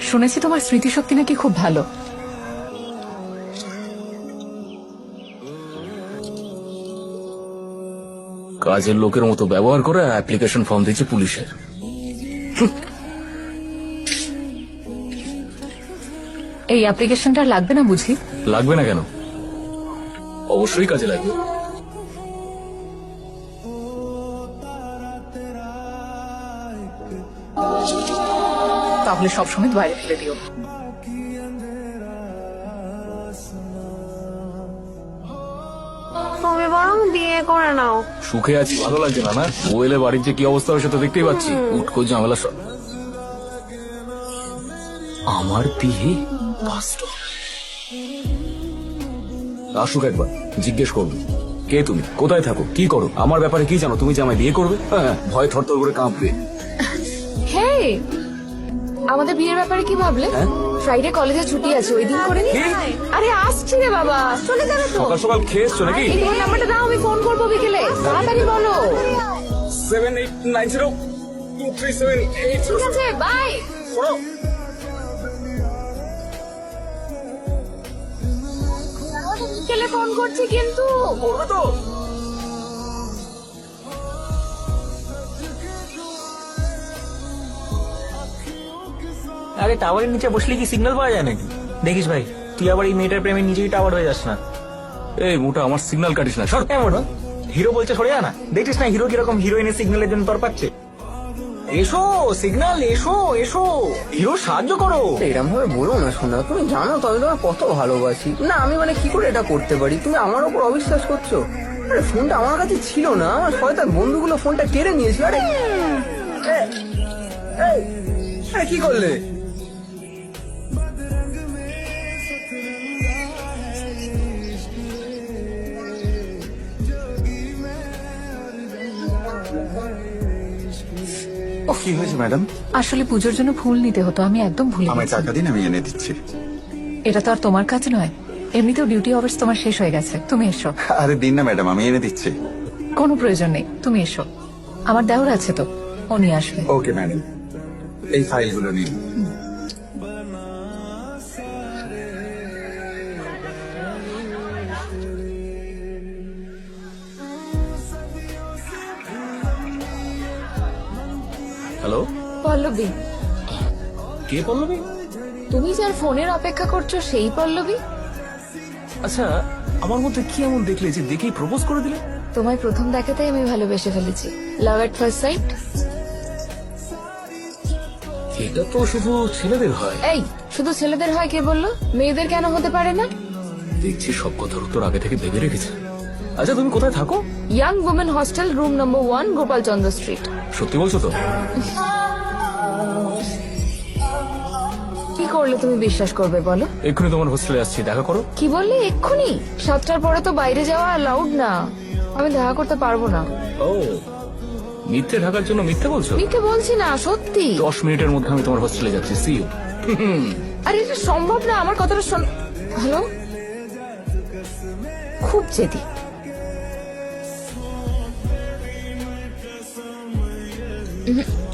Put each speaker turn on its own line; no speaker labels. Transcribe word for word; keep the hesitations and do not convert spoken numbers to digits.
শুনেছি তোমার স্মৃতিশক্তি নাকি খুব ভালো।
কাজের লোকের মতো ব্যবহার করে অ্যাপ্লিকেশন ফর্ম দিচ্ছে পুলিশের।
এই অ্যাপ্লিকেশনটা লাগবে না বুঝি?
লাগবে না কেন, অবশ্যই কাজে লাগবে।
তাহলে সবসময় বাইরে ফেলে দিও।
তুমি বরং বিয়ে করে নাও।
সুখে আছি, ভালো লাগছে না? না ও এলে বাড়ির যে কি অবস্থা হবে সেটা দেখতেই পাচ্ছি। উটকো ঝামেলা সব। আমার বিয়ে আসুক একবার, জিজ্ঞেস করবো কে তুমি, কোথায় থাকো, কি করো, আমার ব্যাপারে কি জানো, তুমি যে আমায় বিয়ে করবে? হ্যাঁ, ভয় থরথর করে কাঁপবে।
হে, আমাদের বিয়ের ব্যাপারে কি ভাবলে? ফ্রাইডে কলেজে ছুটি আছে, ওই দিন করে নি। আরে আসছি রে বাবা, চলে যাবে তো।
সকাল সকাল খেয়ে এসছো নাকি?
এই ফোন নাম্বারটা দাও, আমি ফোন করবো বিকেলে। তাড়াতাড়ি বলো।
Seven eight nine zero two three seven eight
ঠিক আছে, বাই। বিকেলে ফোন করছি কিন্তু।
করবে তো?
আরে টাওয়ারের নিচে বসলে কি সিগন্যাল পাওয়া যায় নাকি? দেখিস ভাই, তুই আবার এই মেয়েটার প্রেমে নিজেই টাওয়ার হয়ে যাস না।
এই মোটা আমার সিগন্যাল কাটিস না, সর।
এমন হিরো বলছে সরে যা না, দেখছিস না হিরো কিরকম হিরোইনের সিগন্যালের জন্য তর পাচ্ছে। এসো সিগন্যাল, এসো এসো, হিরো সাহায্য করো।
এরকম ভাবে বলো না শোনা, তুমি জানো তো আমি তোমার কত ভালোবাসি। না আমি মানে কি করে এটা করতে পারি? তুমি আমার উপর অবিশ্বাস করছো? আরে ফোনটা আমার কাছে ছিল না, আমার শয়তান বন্ধুগুলো ফোনটা কেড়ে নিয়েছিল। আরে এ, এই, আরে কি করলে?
কি হয়েছে ম্যাডাম?
আসলে পুজোর জন্য ফুল নিতে হতো, আমি একদম ভুলে
আমায়
গেছি।
টাকা দিন, আমি এনে দিচ্ছি।
এটা তো আর তোমার কাজ নয়, এমনিতেও ডিউটি আওয়ার্স তোমার শেষ হয়ে গেছে। তুমি এসো।
আরে দিন না ম্যাডাম, আমি এনে দিচ্ছি।
কোনো প্রয়োজন নেই, তুমি এসো। আমার দেওর আছে তো, ও নিয়ে আসবে।
ওকে ম্যাডাম, এই ফাইলগুলো নিন।
হ্যালো,
পল্লবী,
কে পল্লবী?
তুমি যার ফোনের অপেক্ষা করছো সেই পল্লবী?
আচ্ছা, আমার মধ্যে কি এমন দেখলে যে দেখেই প্রপোজ করে দিলে?
তোমায় প্রথম দেখাতেই আমি ভালোবেসে ফেলেছি। Love at first sight.
এটা তো শুধু ছেলেদের হয়।
এই, শুধু ছেলেদের হয় কে বললো? মেয়েদের কেন হতে পারে না?
দেখছি সব কথার উত্তর আগে থেকে ভেবে রেখেছে। আচ্ছা তুমি কোথায় থাকো?
Young women hostel, room number one, Gopal Chandra street.
সত্যি বলছো তো?
কি করলে তুমি বিশ্বাস করবে বলো?
এক্ষুনি তোমার হোস্টেলে আসছি, দেখা করো।
কি বললে এক্ষুনি? সাতটার পরে তো বাইরে যাওয়া অ্যালাউড না, আমি দেখা করতে পারবো না।
ও, মিথ্যে ঢাকার জন্য মিথ্যে বলছো?
মিথ্যে বলছি না, সত্যি।
দশ মিনিটের মধ্যে আমি তোমার হোস্টেলে যাচ্ছি, সি ইউ।
আরে এটা সম্ভব না, আমার কথাটা শোন। হ্যালো, খুব জেদি। উহুম।